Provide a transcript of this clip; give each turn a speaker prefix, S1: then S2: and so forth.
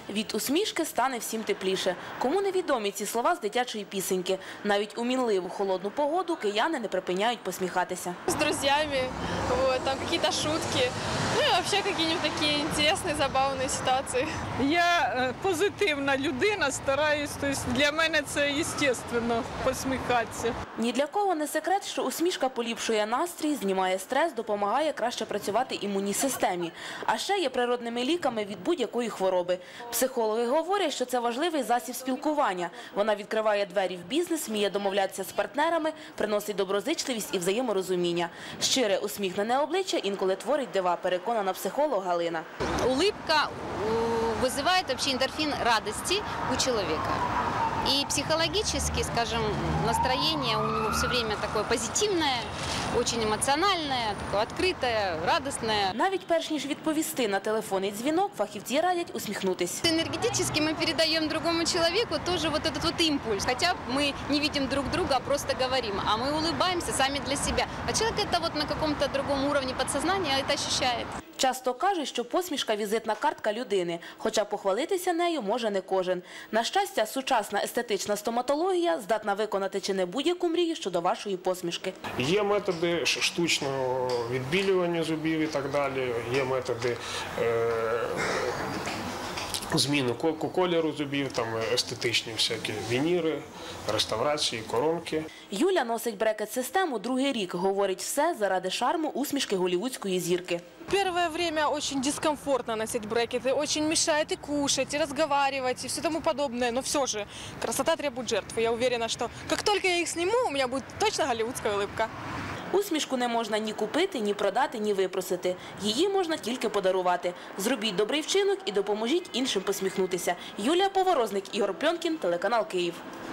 S1: Від усмішки стане всім тепліше. Кому невідомі ці слова з дитячої пісеньки? Навіть у мінливу холодну погоду кияни не припиняють посміхатися.
S2: С друзьями, там какие-то шутки, ну и вообще какие-нибудь такие интересные, забавные ситуации.
S3: Я позитивна людина, стараюсь, тобто для мене це естественно посміхатися.
S1: Ні для кого не секрет, що усмішка поліпшує настрій, знімає стрес, допомагає краще працювати імунній системі. А ще є природними ліками від будь-якої хвороби. Психологи говорять, що це важливий засіб спілкування. Вона відкриває двері в бізнес, вміє домовлятися з партнерами, приносить доброзичливість і взаєморозуміння. Щире усміхнене обличчя інколи творить дива, переконана психолог Галина.
S4: Улыбка вызывает вообще эндорфин радости у человека. И психологически, скажем, настроение у него все время такое позитивное, очень эмоциональное, такое открытое, радостное.
S1: Навіть перш ніж відповісти на телефонний дзвінок, фахівці радять усміхнутись.
S4: Энергетически мы передаем другому человеку тоже вот этот вот импульс. Хотя мы не видим друг друга, а просто говорим. А мы улыбаемся сами для себя. А человек это вот на каком-то другом уровне подсознания это ощущает.
S1: Часто кажуть, що посмішка – візитна картка людини, хоча похвалитися нею може не кожен. На щастя, сучасна естетична стоматологія здатна виконати чи не будь-яку мрію щодо вашої посмішки.
S5: Є методи штучного відбілювання зубів і так далі, є методи зміни кольору зубів, там естетичні всякі вініри, реставрації, коронки.
S1: Юля носить брекет-систему другий рік. Говорить, все заради шарму усмішки голлівудської зірки.
S2: Первое время очень дискомфортно носить брекеты, очень мешает и кушать, и разговаривать, и все тому подобное. Но все же красота требует жертвы. Я уверена, что как только я их сниму, у меня будет точно голливудская улыбка.
S1: Усмішку не можна ні купити, ні продати, ні випросити. Її можна тільки подарувати. Зробіть добрий вчинок і допоможіть іншим посміхнутися. Юлія Поворозник, Ігор Пльонкін, телеканал Київ.